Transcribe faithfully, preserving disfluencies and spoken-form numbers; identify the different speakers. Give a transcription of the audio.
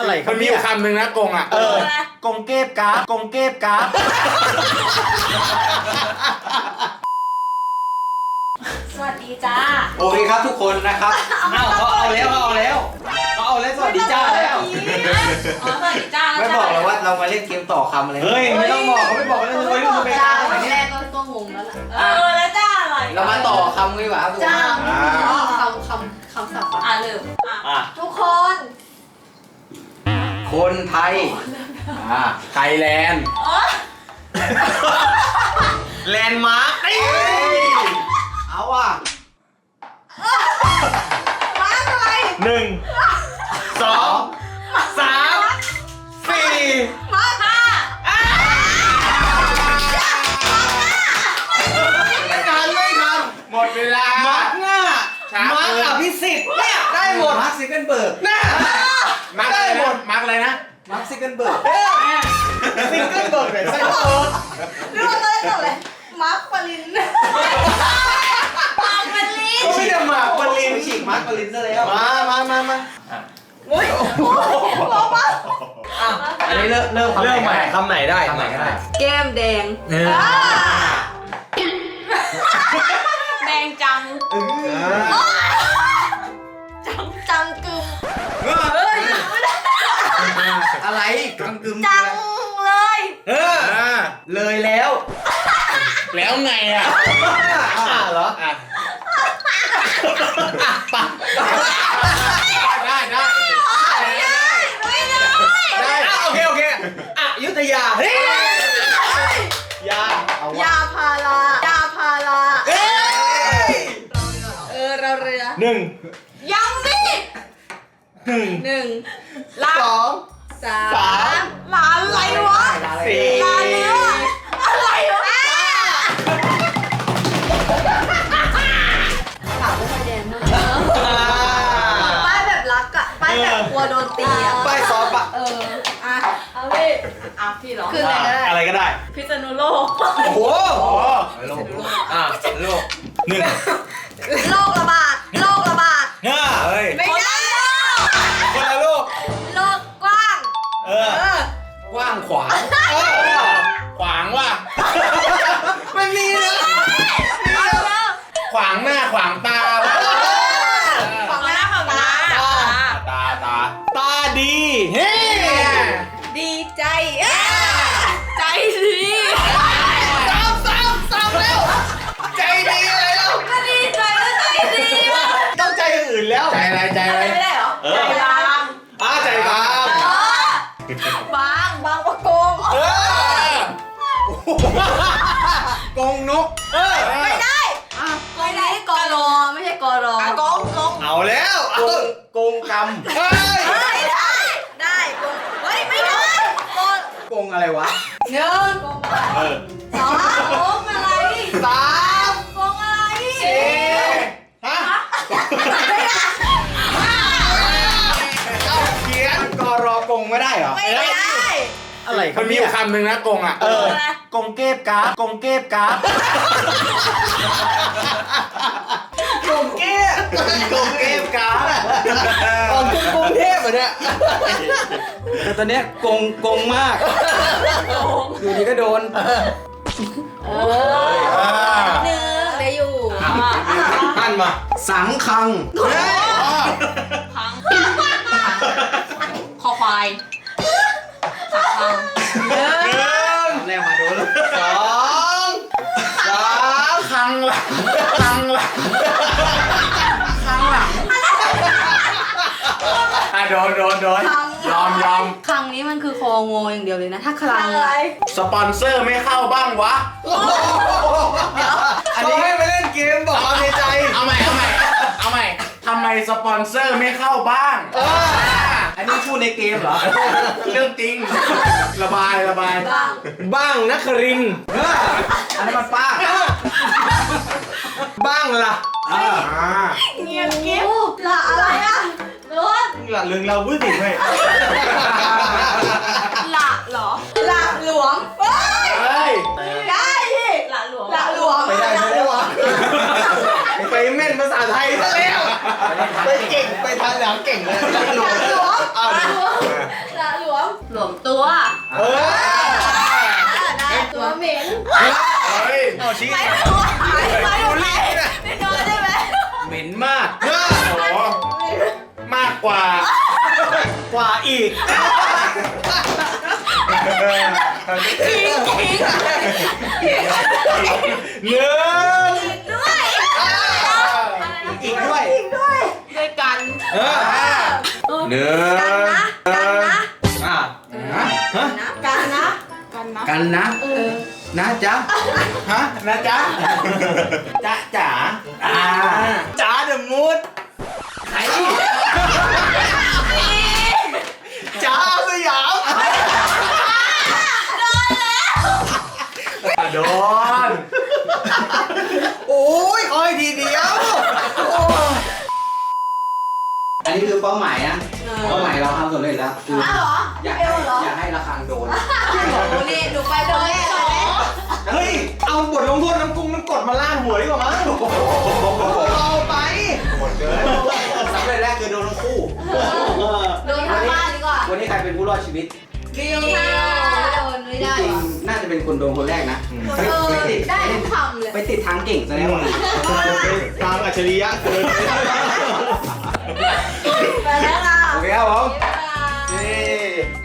Speaker 1: อะไร
Speaker 2: มันมีอยู่คำหนึ่งนะกงอ่ะ
Speaker 1: เออกงเก็บกราฟกงเก็บกราฟ
Speaker 3: สวัสดีจ้า
Speaker 1: โอเคครับทุกคนนะครับเอาเขาเอาแล้วเขาเอาแล้วเขาเอาแล้วสวัสดีจ้าแล้ว
Speaker 3: อ๋อสวัสดีจ้า
Speaker 1: ไม่บอกเลยว่าเรามาเล่นเกมต่อคำอะไรเฮ้ยไม่ต้องบอกเขาไม่บอกเลยเลยรู้ไปจ้าอะไร
Speaker 3: แร
Speaker 1: เงี้ย
Speaker 3: กก็งงแล้วล่ะเออแล้วจ้าอะไร
Speaker 1: เรามาต่อคำดีกว่า
Speaker 3: จ้าคำคำคำศัพท์อ่ะเริ่มอ่ะทุกคน
Speaker 1: คนไทยอ่า
Speaker 2: ไทยแลนด์
Speaker 1: แลนด์มาร์คเอาว่ะ
Speaker 3: มาอะไร
Speaker 1: หนึ่งสองสามสี่
Speaker 3: มาห้า
Speaker 1: ไม่ทันไม่ทัน
Speaker 2: หมดเวลา
Speaker 1: มาร์คหน้ามาร์คอภิสิทธิ์เนี่ยได้หมดมาร์คซิกเกิลเบิร์กน่า
Speaker 2: มาร์กได้หมดมาร์กอะไรนะ
Speaker 1: มาร์คซิกเกิลเบิร์กซิกเกิลเบิร์กเลยไส้โต
Speaker 3: เรื่องอะไรต่อเลยมาร์คปรินมาร์คปริน
Speaker 1: ก็ไม่ได้มาร์คปรินฉีกมาร์คปรินซะแล้วมามามามา
Speaker 3: โอ้ยบอกมา
Speaker 1: อันนี้เริ่มเริ่มเริ่มใหม่คำไหนได้คำไหนได้
Speaker 3: แก้มแดงแดงจังจังจังกึมเฮ้ย
Speaker 1: อะไรกังกึม
Speaker 3: จังเลย
Speaker 1: เออเลยแล้ว
Speaker 2: แล้วไงอ่ะ
Speaker 1: อ่ะเหรออ่ะปะ
Speaker 2: ได้ได้
Speaker 3: ไม่ได้
Speaker 1: ได้โอเคโอเคอยุธยาเฮ้ยยาเอา
Speaker 3: ยาพารายาพาราเอ้ยเออเราเรือ
Speaker 1: หนึ่ง
Speaker 3: ยังดิ
Speaker 1: หนึ่ง
Speaker 3: หนึ่ง
Speaker 1: สอง
Speaker 3: สามหลานอะไรวะ
Speaker 1: สี่
Speaker 3: หลานเนื้ออะไรวะขาวไม่แดงมากป้ายแบบรักอะป้ายแบบกลัวโดนตีอะ
Speaker 1: ป้ายซอฟอะ
Speaker 3: เอออ่ะเอาพี่อ่ะพี่เหรอคือ
Speaker 1: อะไรก็ได้
Speaker 3: พิษณุโลก
Speaker 1: โอ้โหโลกอ่ะโลกหนึ่ง
Speaker 3: โรคระบาดโรคระบาด
Speaker 1: เฮ้ย
Speaker 3: ไม่ได้
Speaker 1: คนละโลก
Speaker 3: โลกกว้าง
Speaker 1: เออกว้างขวาง
Speaker 2: ขวางว่ะ
Speaker 1: ไม่มีนะ
Speaker 2: ขวางหน้าขวางตา
Speaker 3: ขวางหน้าขวางตา
Speaker 2: ตาตา
Speaker 1: ตาดีเฮ้
Speaker 3: ดีใจใจดี
Speaker 1: ซ้ำซ้ำซ้ำแล้วใจดีอะไรแล้ว
Speaker 3: ก็ดีใจแล้วใจดี
Speaker 1: ต้องใจอื่นแล้ว
Speaker 2: ใจอะไรใจอะไร
Speaker 3: ไม่ได้เหรอใจบาง
Speaker 1: อ่าใจบาง
Speaker 3: บางบางประกง
Speaker 1: เออกงนกเออ
Speaker 3: ไม่ได้ไม่ได้กอรอไม่ใช่กอรอกงกง
Speaker 1: เอาแล้วกงกงกรรมเฮ้
Speaker 3: ยได้ได้กงเฮ้ยไม่ได้กง
Speaker 1: กงอะไรวะ
Speaker 3: หนึ่งสองกงอะไร
Speaker 1: สาม
Speaker 3: กงอะไร
Speaker 1: สี่ฮะเอาเขียนกรอกงไม่ได้เหรอ
Speaker 3: ไม่ได้
Speaker 1: อะไร
Speaker 2: มันมีอยู่คำหนึ่งนะกงอ่ะ
Speaker 1: เออกงเก็บกราฟกงเก็บกราฟกงเก็บกงเก็บกราฟอ๋อกรุงเทพเหรอเนี่ยแต่ตอนเนี้ยกงกงมากอยู่ดีก็โดน
Speaker 3: เออหนึ่งได้อยู่
Speaker 1: ท่านมาสังคัง
Speaker 3: คังคอควายสังคัง
Speaker 1: หนึ่งแรกมาโดนสองสาม
Speaker 2: คังหลังคังหลังคังหลังอ่ะโดนโดนโดนยอมยอม
Speaker 3: คังนี้มันคือคองออย่างเดียวเลยนะถ้าคลังอะไร
Speaker 2: สปอนเซอร์ไม่เข้าบ้างวะ
Speaker 1: อันนี้ให้ไปเล่นเกมบอกความในใจ
Speaker 2: เอาใหม่เอาใหม่เอาใหม่ทำไมสปอนเซอร์ไม่เข้าบ้าง
Speaker 1: อันนี้พูดในเกมเหรอ
Speaker 2: เรื่องจริงระบายระบาย
Speaker 1: บ้างนักรินอันนั้นมันป้าบ้างล่ะ
Speaker 3: เงียบเก็บละอะไรอ่ะล้วน
Speaker 1: ละเรื่องเราพูดผิดไหม
Speaker 3: ละเหรอละหลวงเฮ้ยได้ดิละหลวงละหลวง
Speaker 1: ไม่ได้ไม่ได้วะไปแม่นภาษาไทยซะแล้วไปเก่งไปทางหลังเก่งเลยละหลวง
Speaker 3: ละหลวง
Speaker 2: ชี้
Speaker 3: ไม่รู้ว่าหายไม่รู้ไหมไม่โดนใช่ไหม
Speaker 1: เหม็นมาก
Speaker 2: เออโอ้โหมากกว่า
Speaker 1: กว่าอีก
Speaker 3: ทิ้งทิ้ง
Speaker 2: หนึ่ง
Speaker 3: ด้วย
Speaker 1: อีกด้วย
Speaker 3: ด้วยกัน
Speaker 1: เออ
Speaker 2: หนึ่ง
Speaker 3: กันนะกันนะ
Speaker 1: อ่ะฮะ
Speaker 3: นะกันนะกันนะ
Speaker 1: กันนะ
Speaker 3: เออ
Speaker 1: นะจ๊ะ
Speaker 2: ฮะนะจ๊ะ
Speaker 1: จ๊ะจ๋าอ่า
Speaker 2: จ๋าเดอะมูด
Speaker 1: ใคร
Speaker 2: จ๋าสยามโดนโอ้ยอ้อยทีเดียว
Speaker 1: อันนี้คือเป้าหมายนะเป้าหมายเราทำสำเร็จแล้วคือ
Speaker 3: อ้าวเหรอ
Speaker 1: อยาก
Speaker 3: เอ
Speaker 1: ให้
Speaker 3: วเหรอ
Speaker 1: อยากให้ระฆังโดน
Speaker 3: โอ้นี่หนูไปโดนแน่เลย
Speaker 2: เฮ้ยเอาบทลงโทษน้ำกุ้งมันกดมาล่าหัวดีกว่ามั้งเอาไปหมดเกิน
Speaker 1: สำเร็จแรกคือโดนทั้งคู่
Speaker 3: โดนทางบ้านดีกว่า
Speaker 1: วันนี้ใครเป็นผู้รอดชีวิต
Speaker 3: บิวค่ะโดนไม่ได้
Speaker 1: จริ
Speaker 3: ห
Speaker 1: ง
Speaker 3: รอ
Speaker 1: ๆน่าจะเป็นคนโดนคนแรกนะ
Speaker 3: เออได้ทุกคำเลย
Speaker 1: ไปติดทางเก่งซะแล้วอะ
Speaker 2: ทางอัจฉริยะเกิน
Speaker 3: ไปแล้วค่ะ
Speaker 1: โอเคครับผม
Speaker 3: บ๊ายบาย